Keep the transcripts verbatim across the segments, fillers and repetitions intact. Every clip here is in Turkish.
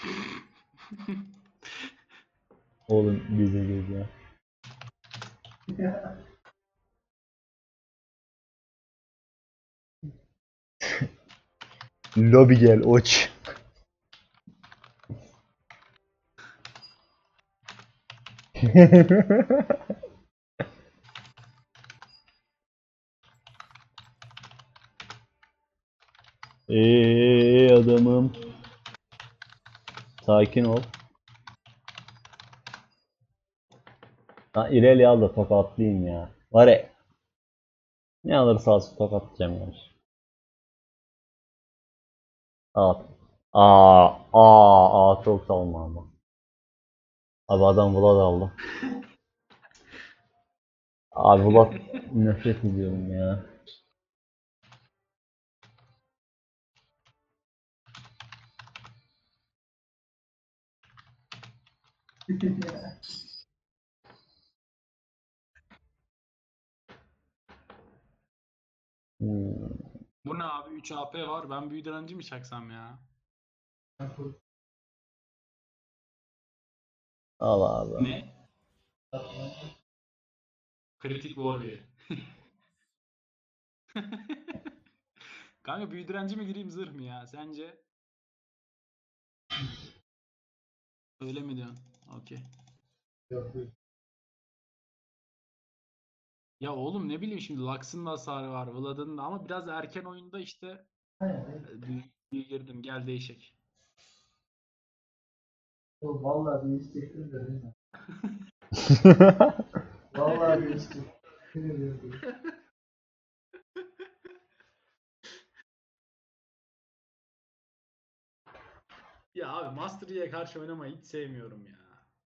Oğlum gece gece. Lobi gel oç. Eee adamım. Sakin ol. Ha İreli al da tokatlayayım ya. Var ya. Ne alırsa alsın tokatlayacağım yani. Al. Aa, aa, aa çok salma ama. Abi adam Vlad aldı. Abi Vlad nefret ediyorum ya. Hmm. Bu ne abi? üç A P var. Ben büyü direnci mi çaksam ya? Al abi. Ne? Kritik Warrior. Kanka büyü direnci mi gireyim zırh mı ya? Sence? Öyle mi diyorsun? Okey. Ya oğlum ne bileyim şimdi Lux'ın da hasarı var, Vlad'ın da ama biraz erken oyunda işte e, büyü, büyü girdim. Gel değişik. Vallahi bir istekli de değil mi? Vallahi bir istekli. Ya abi Master Yi'ye karşı oynamayı hiç sevmiyorum ya.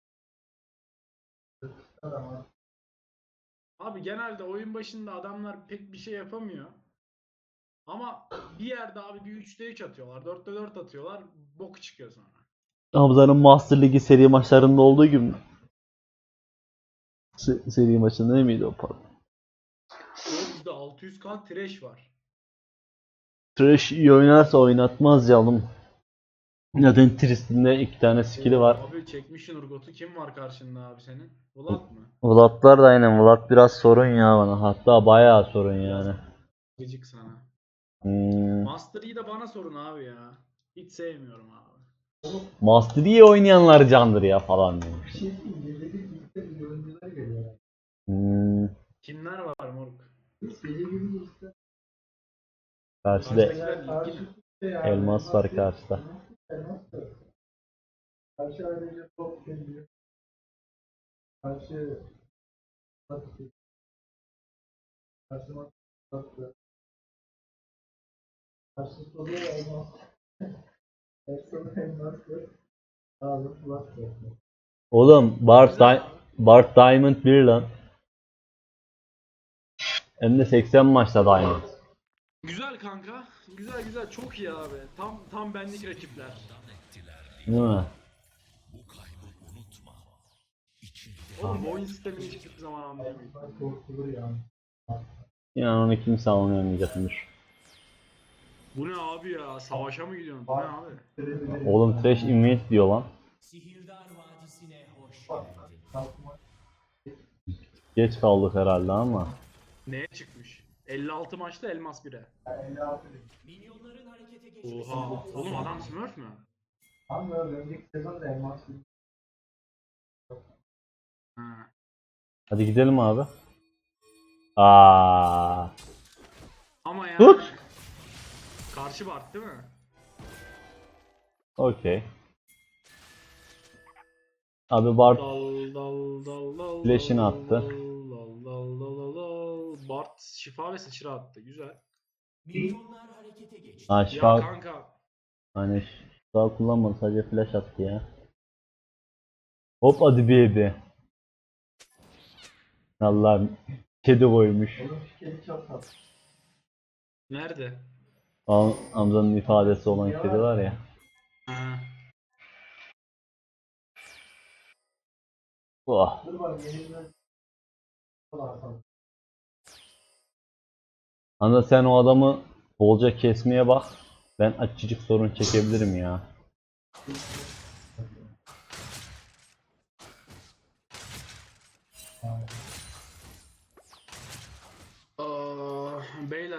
Abi genelde oyun başında adamlar pek bir şey yapamıyor. Ama bir yerde abi bir üçte üç atıyorlar. dörtte dört atıyorlar. Bok çıkıyor sonra. Hamza'nın Master Ligi seri maçlarında olduğu gibi mi? Se- seri maçında ne miydi o pardon? O bizde altı yüz K trash var. Trash iyi oynarsa oynatmaz ya oğlum. Zaten Tristan'da iki tane skill'i var. Abi çekmişsin Urgot'u. Kim var karşında abi senin? Vlad mı? Vlad'lar da aynen. Vlad biraz sorun ya bana. Hatta bayağı sorun yani. Gıcık sana. Hmm. Master Yi de bana sorun abi ya. Hiç sevmiyorum abi. Master iyi oynayanlar candır ya falan demiş. Bir şey değil, gece bir birlikte bir oyuncular geliyor. Hmm. Kimler var moruk? Hiç gece gibi işte. Karşıda Karşıdakiler ligli mi? Karşı yani elmas var karşıda. elmas da. Karşı ayrıca top geliyor. Karşı Karşı Karşı Karşı Karşı soruyor elmas. Karşı elmas var. Abi kulak var. Oğlum Bart, Güzel Di- abi. Bart Diamond bir lan. Hem de seksen maçta Diamond. Güzel kanka. Güzel güzel. Çok iyi abi. Tam tam benlik rakipler. Değil mi? Oğlum bu oyun sistemini hiçbir zaman anlayamıyorum. Korkulur yani. İnan onu kimse anlayamayacakmış. Bu ne abi ya? Savaşa mı gidiyorsun? Bu ne abi? Oğlum Trash Invade diyor lan. Sihirdar Vadisi'ne hoş geldin. Geç kaldık herhalde ama. Neye çıkmış? elli altı maçta Elmas bire. Minyonların harekete geçmesi Oha. Oğlum adam Smurf mü? Tam da önceki sezon da elmas Ha. Hadi gidelim abi. Aa. Ama yani Tut. karşı Bart değil mi? Okey. Abi Bart Dal dal dal dal flash'ini dal attı. dal dal dal dal dal. Bart şifa ve sıçra attı. Güzel. Minyonlar harekete geçti. Ha Ya şifa kanka. hani şifa kullanmadı sadece flash attı ya. Hop hadi baby. Allah'ım kedi koymuş. Onun fikri çok tatlı. Nerede? Am Hamza'nın ifadesi olan kedi var ya. Ha. Oh. Dur bak yenilmez. Hamza sen o adamı bolca kesmeye bak. Ben açıcık sorun çekebilirim ya.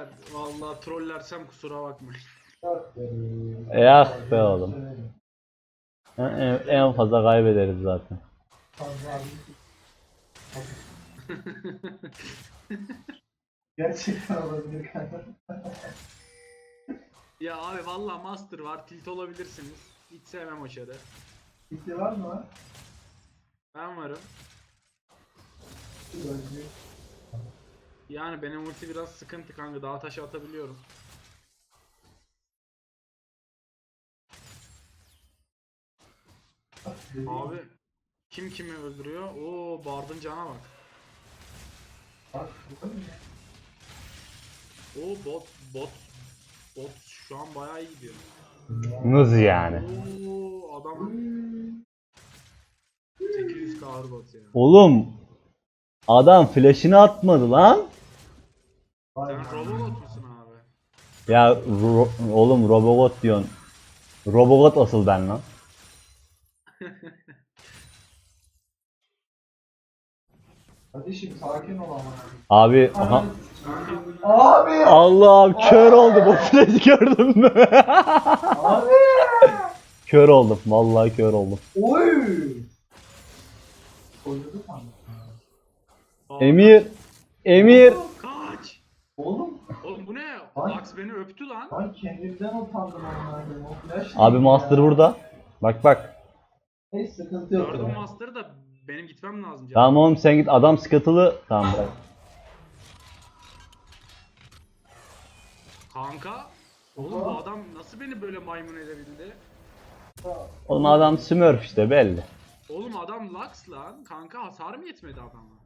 beyler. Vallahi trollersem kusura bakmayın. Dört veriyorum. Eh be oğlum. En, en- en fazla kaybederiz zaten. Fazla abi. Gerçekten olabilir kanka. Ya abi vallahi master var. Tilt olabilirsiniz. Hiç sevmem o çarı. Bitti var mı? Ben varım. Gözlü. Yani benim ulti biraz sıkıntı kanka. Dağ taşı atabiliyorum. Abi kim kimi öldürüyor? Oo Bard'ın cana bak. Bak bu kadar mı? Oo bot bot bot şu an bayağı iyi gidiyor. Nasıl yani? Oo adam sekiz yüz K ağır bot ya. Oğlum adam flash'ını atmadı lan. Vay Sen be. Robobot musun abi? Ya ro- oğlum Robobot diyorsun. Robobot asıl ben lan. Kardeşim sakin ol ama. Abi aha. Abi! Allah'ım kör oldum, o flash'ı gördün mü? Abi! Kör oldum, vallahi kör oldum. Oy! Oynadı sandım. Aa, Emir, Emir. kaç! Oğlum Oğlum bu ne? Ay. Lux beni öptü lan. ben kendimden utandım onlardan. O flash Abi neydi Master ya? burada. Bak bak. Hiç sıkıntı yok. Gördüm ya. Master'ı da benim gitmem lazım canım. Tamam oğlum sen git, adam skatılı. Tamam bırak. Kanka. Oğlum bu adam nasıl beni böyle maymun edebildi? Oğlum adam Smurf işte belli. Oğlum adam Lux lan. Kanka hasar mı yetmedi adama?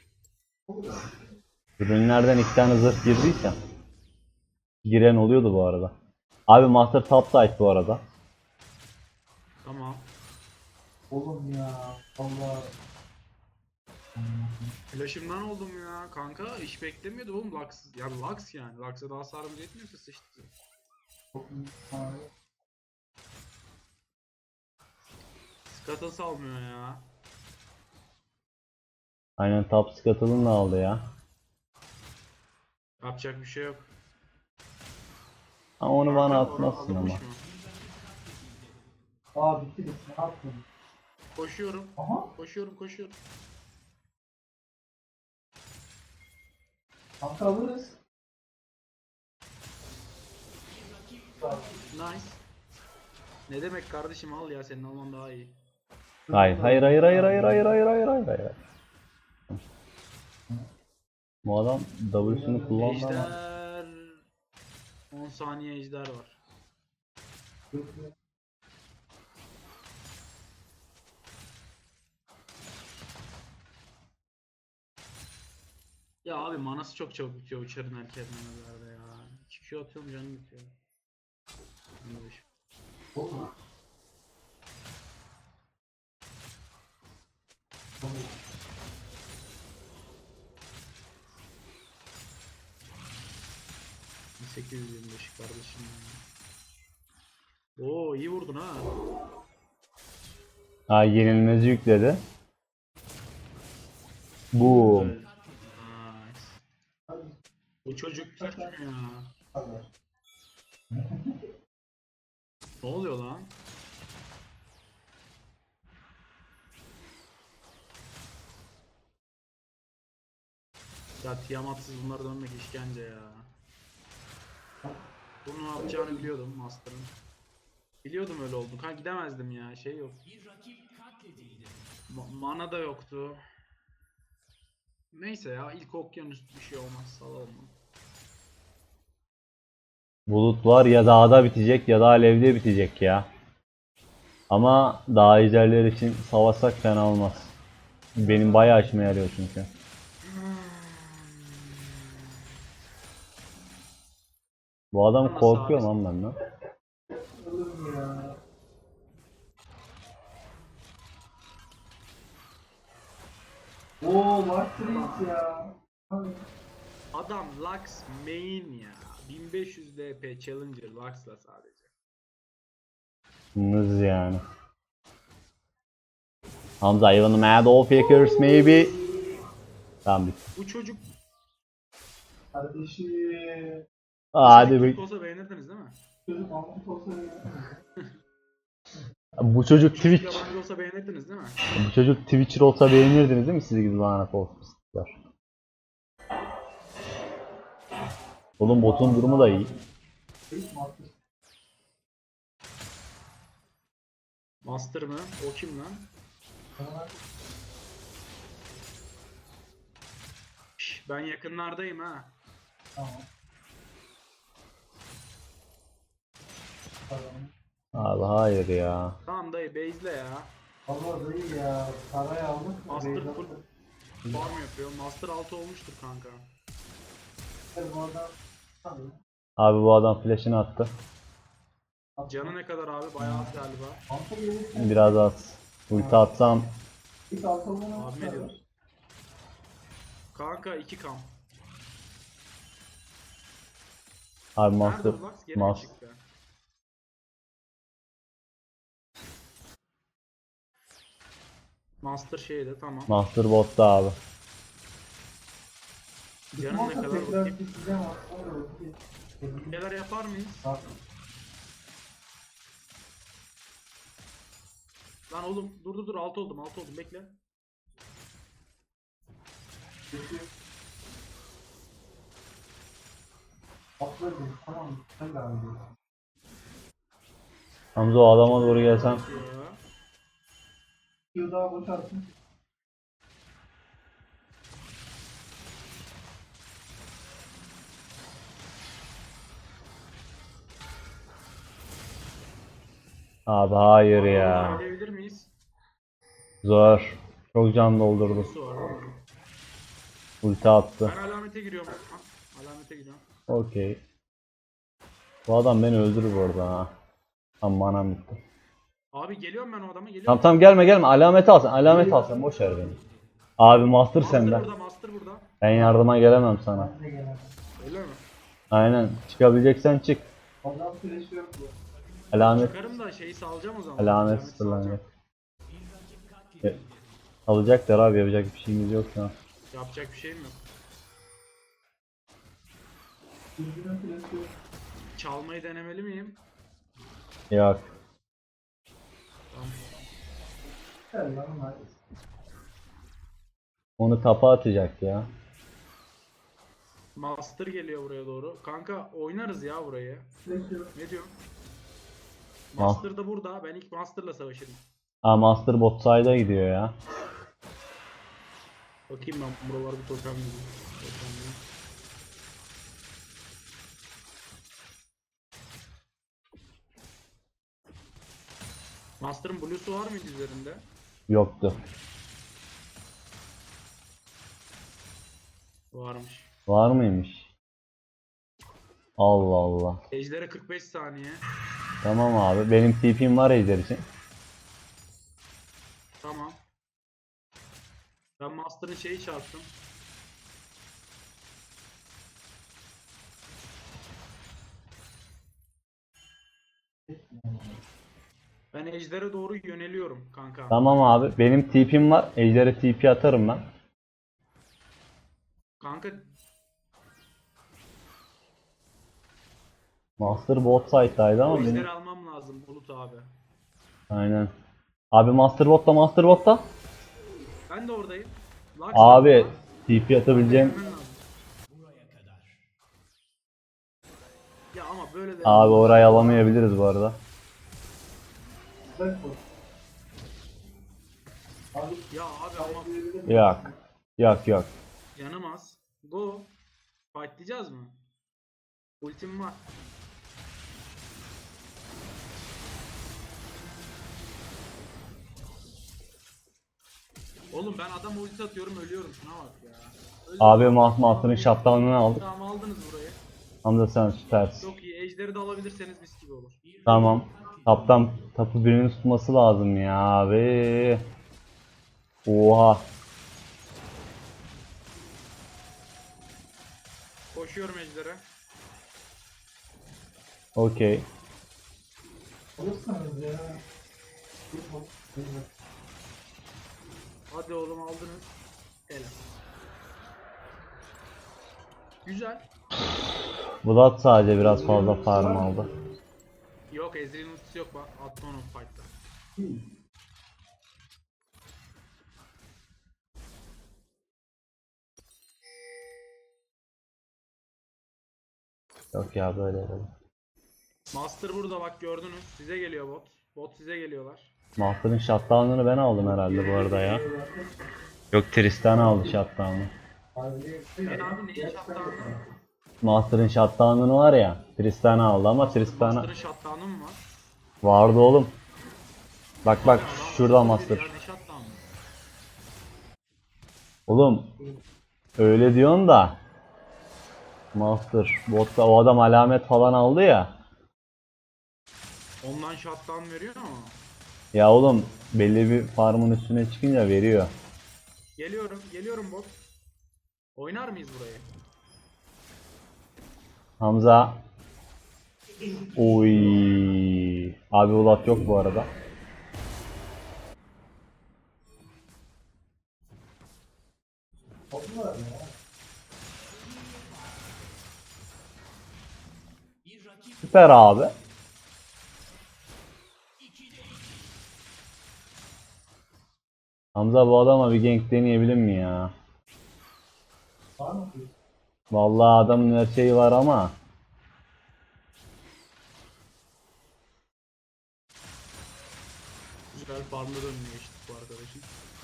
Ürünlerden iki tane zırh girdiyse. Giren oluyordu bu arada. Abi Master top side bu arada. Tamam. Oğlum ya. Allah. Flash'ımdan oldum ya. Kanka hiç beklemiyordum oğlum Lux. Yani Lux yani. Lux'a daha hasarımız yetmiyorsa sıçtı. Çok iyi. Abi. Scuttle salmıyor ya. Aynen top skatılını da aldı ya. Yapacak bir şey yok. Ama onu bana Kanka, atmazsın alınmış ama. mı? Aa bitti bitti. Ne yaptın? Koşuyorum. Aha. Koşuyorum koşuyorum. Kanka alırız. Nice. Ne demek kardeşim, al ya, senin alman daha iyi. Hayır hayır hayır hayır hayır hayır hayır hayır hayır hayır. Bu adam W'sunu kullandı ama. Ejder. on saniye ejder var. Ya abi manası çok çabuk bitiyor uçarın erken manelerde ya. iki Q atıyorum canım bitiyor. Yanlış. sekiz yüz yirmi beş kardeşim ya. Oo iyi vurdun ha. Ha yenilmezi yükledi. Boom. Nice. Bu çocuk Türk mü ya? Ne oluyor lan? Ya Tiamat'sız bunları dönmek işkence ya. Bunu ne yapacağını biliyordum Master'ın. Biliyordum öyle oldu. Ha gidemezdim ya, şey yok. Bir rakip katledildi. Ma- mana da yoktu. Neyse ya, ilk okyanus bir şey olmaz, salalım onu. Bulut var ya dağda bitecek ya da alevde bitecek ya. Ama dağ ejderler için savaşsak fena olmaz. Benim bayağı işime yarıyor çünkü. Bu adam Nasıl korkuyor abi? lan benden. Oğlum ya. Oo Master ya. Abi. Adam Lux main ya. bin beş yüz D P Challenger Lux'la sadece. Nız yani. Hamza even the mad all fakers maybe. Tamam bitti. Bu çocuk Kardeşim. Hadi Çocuk bir. olsa beğenirdiniz değil mi? Çocuk Mahmut olsa ya. Bu çocuk Çocuk Twitch. yabancı olsa beğenirdiniz değil mi? Bu çocuk Twitcher olsa beğenirdiniz değil mi siz gibi lanet olsunlar. Oğlum botun durumu da iyi. Hiç Mahmut. Master mı? O kim lan? Bana Şş, ben yakınlardayım ha. tamam. Tamam. Abi hayır ya. Tamam dayı base'le ya. Allah dayı ya. Parayı aldık mı? Master Beyza- full farm yapıyor. Master altı olmuştur kanka. Bu adam. Tabii. Abi bu adam flash'ını attı. Canı ne kadar abi? Bayağı az galiba. Altı gelirse Biraz az. Ulti atsam ilk altı olduğunu Abi ne diyorsun? Kanka iki kam. abi Nerede master bu Lux? Geri mi mas çıktı? Master şeyde tamam. master botta abi. Canı ne kadar tekrar bakayım. gideceğim aslında. Bir şeyler yapar mıyız? Bak. Lan oğlum dur dur dur altı oldum altı oldum bekle. Atladım. Tamam. Sen de abi. Hamza o adama doğru gelsem. Ya. Q daha boşaltın. Abi hayır ya. Ölebilir miyiz? Zor. Çok can doldurdu. Su var oğlum. Ulti attı. Ben alamete giriyorum. Ha, alamete giriyorum. Okey. Bu adam beni öldürür bu arada ha. Tam manam bitti. Abi geliyorum ben o adama geliyorum. Tamam tamam gelme gelme. Alamet al sen. Alamet al sen. Boş ver beni. Abi master Master sende. burada master burada. Ben yardıma gelemem sana. Ben de gelemem. Öyle mi? Aynen. Çıkabileceksen çık. Adam flash yok bu. Alamet. Çıkarım da şeyi salacağım o zaman. Alamet Alameti sıfırlanacak. salacağım. Alacaklar abi, yapacak bir şeyimiz yok şu an. Yapacak bir şeyim yok. Yüzünün flash yok. Çalmayı denemeli miyim? Yok. Tamam. Gel lan hadi. Onu tapa atacak ya. Master geliyor buraya doğru. Kanka oynarız ya burayı. Flash yok. Ne diyorsun? Ma- Master da burada. Ben ilk Master'la savaşırım. Aa master bot side'a gidiyor ya. Bakayım ben buraları bir totemleyeyim. Totemleyeyim. Master'ın blue'su var mıydı üzerinde? Yoktu. Varmış. Var mıymış? Allah Allah. Ejder'e kırk beş saniye. Tamam abi. Benim T P'm var Ejder için. Tamam. Ben Master'ın şeyi çarptım. Ben Ejder'e doğru yöneliyorum kanka. Tamam abi. Benim T P'm var. Ejder'e T P atarım ben. Kanka Master bot side'daydı ama o benim. Ejder'i almam lazım Bulut abi. Aynen. Abi master botta master botta. Ben de oradayım. Lux Abi yapma. T P atabileceğim. Hemen lazım. Ya ama böyle de Abi orayı alamayabiliriz bu arada. Flash yok. Abi Ya abi ama Yok. Yok yok. yanamaz. Go. Fightlayacağız mı? Ultim var. Oğlum ben adam ulti atıyorum ölüyorum şuna bak ya. Öldüm. Abi Mah Master'ın shutdown'unu aldık. Tamam aldınız burayı. Hamza sen süpersin. Çok iyi. Ejderi de alabilirseniz mis gibi olur. Tamam. Taptan tapı birinin tutması lazım ya abi. Oha. Koşuyorum ejdere. Okey. alırsanız ya. Hadi oğlum aldınız. Helal. Güzel. Vlad sadece biraz fazla farm aldı. Yok Ezreal'in ultisi yok bak. Attı onu fight'ta. Yok ya böyle böyle. Master burada bak gördünüz. Size geliyor bot. Bot size geliyorlar. Master'ın shutdown'ını ben aldım herhalde bu arada ya. Yok Tristan aldı shutdown'ı. Ben abi neyi shutdown'ı? Master'ın shutdown'ını var ya. Tristan aldı ama Tristan'a Master'ın shutdown'ı mı var? vardı oğlum. Bak bak Ya adam şurada Master Master. bir ya, ne shutdown'ı? Oğlum öyle diyorsun da Master botta o adam alamet falan aldı ya. Ondan shutdown veriyor ama. Ya oğlum belli bir farmın üstüne çıkınca veriyor. Geliyorum, geliyorum bot. Oynar mıyız burayı? Hamza. Oy. Abi Ulat yok bu arada. Bir rakip Süper abi. Hamza bu adama bir gank deneyebilir mi ya? Var mı? Vallahi adamın her şeyi var ama. Güzel farmda dönmeye geçtik bu arkadaşın.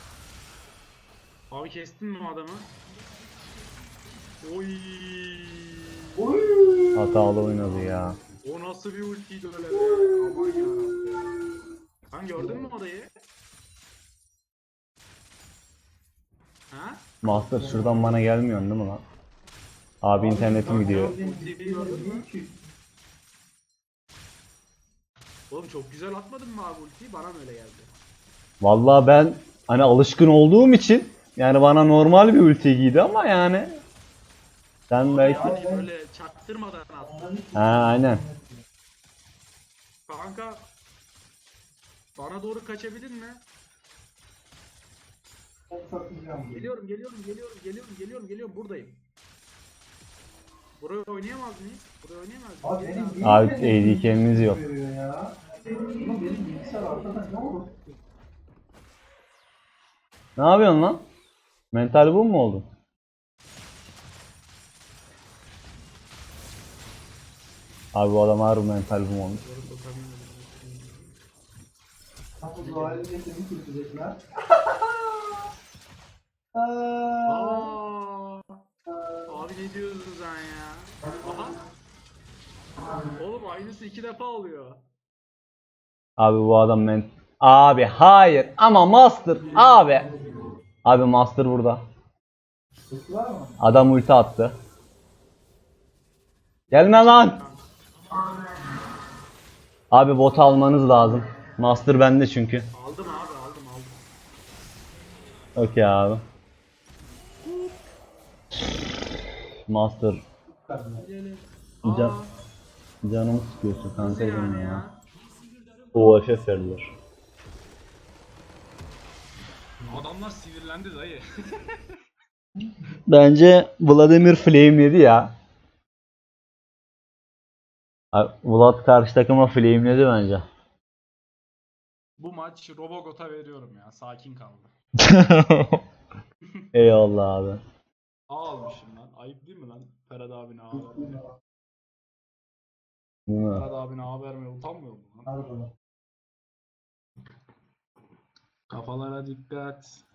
Abi kestin mi adamı? Oy. Oy! Hatalı oynadı ya. O nasıl bir ultiydi öyle be? Aman yarabbim. Sen gördün mü orayı? Ha? Master şuradan bana gelmiyorsun değil mi lan? Abi internetim gidiyor. Ultiyi gördün mü? Oğlum çok güzel atmadın mı abi ultiyi? Bana mı öyle geldi? Vallahi ben hani alışkın olduğum için yani bana normal bir ulti giydi ama yani sen belki Yani böyle çaktırmadan attın. ha aynen. Kanka bana doğru kaçabilir mi? Çok satacağım. Geliyorum, geliyorum, geliyorum, geliyorum, geliyorum, geliyorum. Buradayım. Buraya oynayamaz mıyız? Buraya oynayamaz mıyız? Abi Gelin benim abi. niye Abi benim A D carry'niz yok. veriyor ya? Ama benim bilgisayar arkadan ne olur? Ne yapıyorsun lan? Mental bu mu oldun? Abi bu adam harbi mental bu mu olmuş? Doğru sokamıyorum. Kapı duvarı seni kurtulacaklar. Aa, abi ne diyorsun sen ya? Aha. Oğlum aynısı iki defa oluyor. Abi bu adam men... Abi hayır ama Master abi. Abi Master burada. Var mı? Adam ulti attı. Gelme lan. Abi bot almanız lazım. Master bende çünkü. Aldım abi aldım aldım. Okey abi. Master Gelin. Can- Aa, canımı sıkıyorsun nasıl kanka yani benim ya. ya? O F F verdiler. Adamlar sinirlendi dayı. Bence Vladimir flameledi ya. Abi, Vlad karşı takıma flameledi bence. Bu maç Robogot'a veriyorum ya. Sakin kaldı. Eyvallah abi. A almışım lan. Ayıp değil mi lan? Ferhat abine A vermeye. Değil mi? Ferhat abine A vermeye utanmıyor mu lan? Harbiden. Kafalara dikkat.